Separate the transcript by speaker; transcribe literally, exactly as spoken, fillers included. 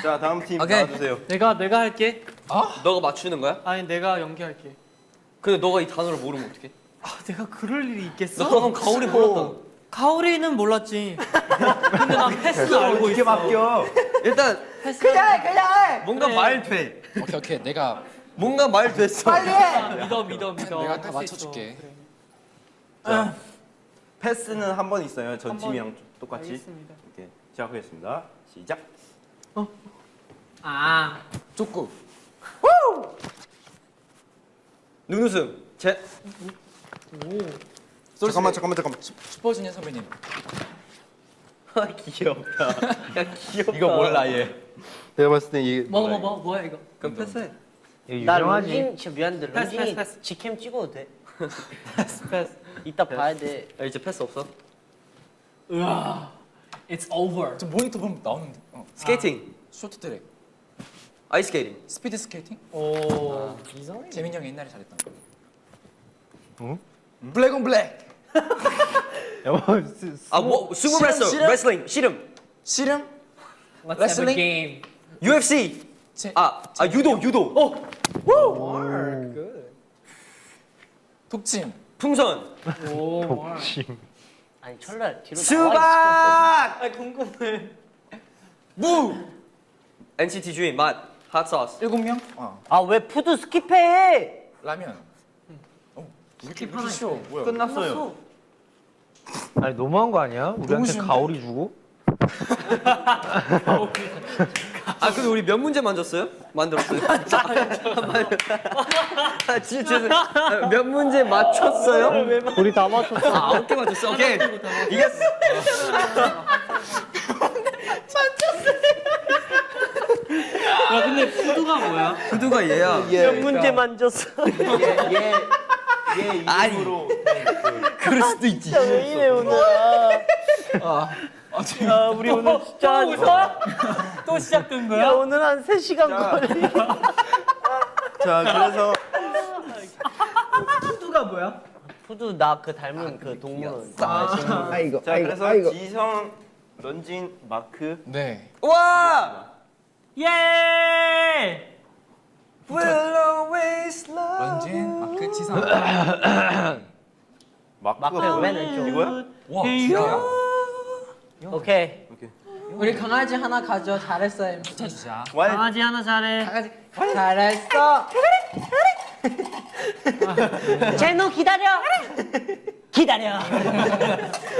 Speaker 1: 자 다음 팀
Speaker 2: 오케이.
Speaker 1: 나와주세요.
Speaker 3: 내가 내가 할게.
Speaker 2: 너가 맞추는 거야?
Speaker 3: 아니 내가 연기할게.
Speaker 2: 근데 너가 이 단어를 모르면 어떡해?
Speaker 3: 아 내가 그럴 일이 있겠어?
Speaker 2: 너 방금 가오리 몰랐다.
Speaker 3: 가오리는 몰랐지. 근데 난 패스는 알고
Speaker 1: 어떻게
Speaker 3: 있어.
Speaker 1: 맡겨?
Speaker 2: 일단
Speaker 3: 패스. 그냥 그냥.
Speaker 2: 뭔가
Speaker 3: 그래.
Speaker 2: 말 돼.
Speaker 4: 오케이 오케이 내가
Speaker 2: 뭔가 말 됐어.
Speaker 3: 믿어 믿어 믿어.
Speaker 4: 내가
Speaker 3: 할
Speaker 4: 다
Speaker 3: 수
Speaker 4: 맞춰줄게.
Speaker 3: 있어. 그래.
Speaker 1: 자, 패스는 한 번 있어요. 전
Speaker 3: 한
Speaker 1: 팀이랑 똑같이.
Speaker 3: 알겠습니다.
Speaker 1: 이렇게 시작하겠습니다. 시작.
Speaker 3: 아.
Speaker 4: 족구.
Speaker 2: 눈웃음. 제.
Speaker 1: 잠깐만 잠깐만 잠깐만.
Speaker 4: 슈퍼주니어 선배님.
Speaker 2: 아 귀엽다. 야 귀엽다.
Speaker 1: 이거 몰라 얘. 내가 봤을 때 이게
Speaker 3: 뭐
Speaker 1: 몰라,
Speaker 3: 뭐 뭐 뭐야 이거?
Speaker 2: 그럼 패스해.
Speaker 5: 나 런쥔 진짜 미안한데
Speaker 3: 패스,
Speaker 5: 런쥔이
Speaker 3: 패스, 패스.
Speaker 5: 직캠 찍어도 돼?
Speaker 3: 패스 패스.
Speaker 5: 이따 봐야 돼.
Speaker 2: 야 이제 패스 없어?
Speaker 3: 으아. It's over.
Speaker 4: 저 모니터 보면 나오는데. 어.
Speaker 2: 스케이팅.
Speaker 4: 쇼트트랙.
Speaker 2: 아이스케이팅.
Speaker 4: 스피드 스케이팅?
Speaker 3: 오.
Speaker 4: 재민이 형이 옛날에 잘했던 거.
Speaker 1: 어?
Speaker 4: 블랙 온 블랙.
Speaker 2: 아뭐 수구
Speaker 4: 씨름,
Speaker 2: 레슬.
Speaker 4: 씨름?
Speaker 2: 레슬링. 씨름.
Speaker 4: 씨름?
Speaker 3: Let's have
Speaker 4: 레슬링?
Speaker 3: a game.
Speaker 2: 유에프씨.
Speaker 4: 제,
Speaker 2: 아, 아 유도 유도. 어.
Speaker 4: 독침.
Speaker 2: 풍선.
Speaker 3: 오. 뭘.
Speaker 5: 아니 철날 뒤로 나와
Speaker 2: 수박.
Speaker 3: 아 궁금해.
Speaker 2: 무. 엔시티 주인 맛. 핫소스.
Speaker 4: 일곱 명? 어.
Speaker 5: 있어. 아왜 푸드 스킵해?
Speaker 4: 라면. 어. 왜 이렇게, 왜 이렇게 쉬워? 뭐야?
Speaker 1: 끝났어요.
Speaker 6: 아니 너무한 거 아니야? 우리한테
Speaker 4: 쉬운데?
Speaker 6: 가오리 주고?
Speaker 2: 아 근데 우리 몇 문제 만졌어요? 만들었어요? 아 진짜 죄송. 아, 몇 문제 맞췄어요?
Speaker 6: 우리 다 맞췄어.
Speaker 2: 아 아홉 개 맞췄어. 오케이. 이겼어.
Speaker 3: 야 근데 푸드가 뭐야?
Speaker 2: 구두가 얘야.
Speaker 5: 몇 문제 만졌어.
Speaker 1: 얘얘얘
Speaker 2: 아니.
Speaker 1: 이름으로
Speaker 2: 그럴 수도 있지.
Speaker 5: 왜 이래 오늘?
Speaker 4: 아,
Speaker 5: 야 우리 오늘 진짜 한-
Speaker 3: 웃어? 또 시작된
Speaker 5: 야
Speaker 3: 거야?
Speaker 5: 오늘 한 세 시간
Speaker 1: 자.
Speaker 5: 걸리.
Speaker 1: 자 그래서
Speaker 3: 푸드가 뭐야?
Speaker 5: 푸드 나 그 닮은 그 동물은.
Speaker 6: 아이고
Speaker 1: 자 그래서 지성, 런쥔, 마크.
Speaker 4: 네.
Speaker 2: 와.
Speaker 3: 예!
Speaker 2: Will always love.
Speaker 4: 런쥔, 마크, 지성.
Speaker 1: 마크가
Speaker 5: 마크가
Speaker 1: 뭐야?
Speaker 5: 맨 왼쪽.
Speaker 1: 이거야?
Speaker 4: 와, 기야.
Speaker 5: 오케이.
Speaker 1: 오케이.
Speaker 7: 우리 강아지 하나 가져. 잘했어 엠.
Speaker 4: 붙여주자.
Speaker 1: 와
Speaker 3: 강아지 하나 잘해.
Speaker 7: 강아지 잘했어.
Speaker 5: 제노 기다려. 기다려.